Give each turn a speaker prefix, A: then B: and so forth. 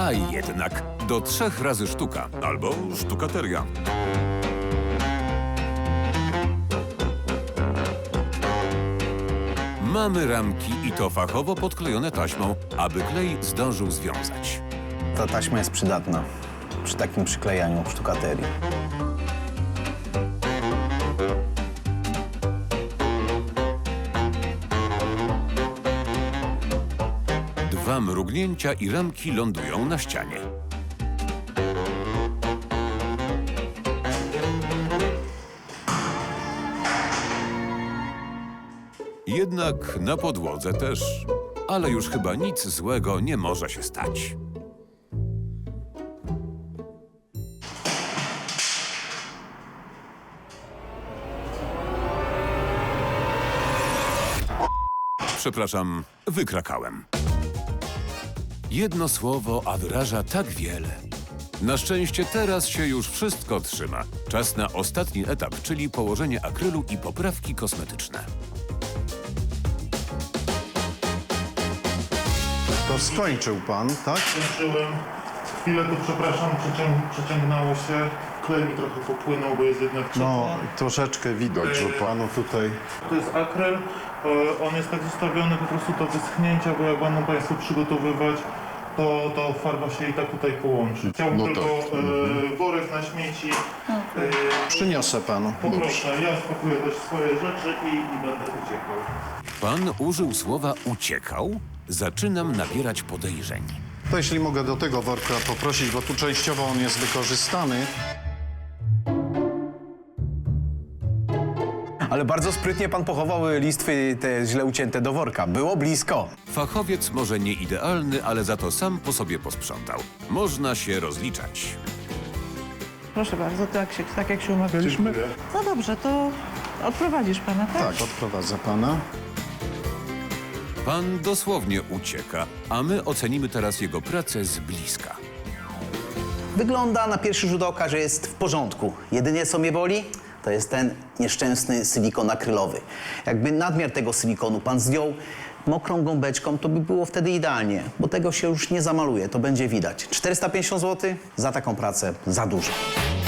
A: A jednak do 3 razy sztuka albo sztukateria. Mamy ramki i to fachowo podklejone taśmą, aby klej zdążył związać.
B: Ta taśma jest przydatna przy takim przyklejaniu sztukaterii.
A: Dwa mrugnięcia i ramki lądują na ścianie. Jednak na podłodze też. Ale już chyba nic złego nie może się stać. Przepraszam, wykrakałem. Jedno słowo, a wyraża tak wiele. Na szczęście teraz się już wszystko trzyma. Czas na ostatni etap, czyli położenie akrylu i poprawki kosmetyczne.
C: To skończył pan, tak?
D: Skończyłem. Chwilę tu, przepraszam, przeciągnęło się. Klej mi trochę popłynął, bo jest jednak ciepło.
C: No, troszeczkę widać, że panu tutaj...
D: To jest akryl. On jest tak zostawiony po prostu do wyschnięcia, bo jak będą państwo przygotowywać, to farba się i tak tutaj połączy. Chciałbym
C: No
D: tylko
C: tak.
D: worek na śmieci.
C: Przyniosę panu.
D: Poproszę, ja spakuję też swoje rzeczy i będę uciekał.
A: Pan użył słowa uciekał? Zaczynam nabierać podejrzeń.
C: To jeśli mogę do tego worka poprosić, bo tu częściowo on jest wykorzystany.
B: Ale bardzo sprytnie pan pochował listwy te źle ucięte do worka. Było blisko.
A: Fachowiec może nie idealny, ale za to sam po sobie posprzątał. Można się rozliczać.
E: Proszę bardzo, tak jak się umawialiśmy.
D: Dziękuję.
E: No dobrze, to odprowadzisz pana, tak?
C: Tak, odprowadzę pana.
A: Pan dosłownie ucieka, a my ocenimy teraz jego pracę z bliska.
B: Wygląda na pierwszy rzut oka, że jest w porządku. Jedynie co mnie boli, to jest ten nieszczęsny silikon akrylowy. Jakby nadmiar tego silikonu pan zdjął mokrą gąbeczką, to by było wtedy idealnie, bo tego się już nie zamaluje, to będzie widać. 450 zł za taką pracę za dużo.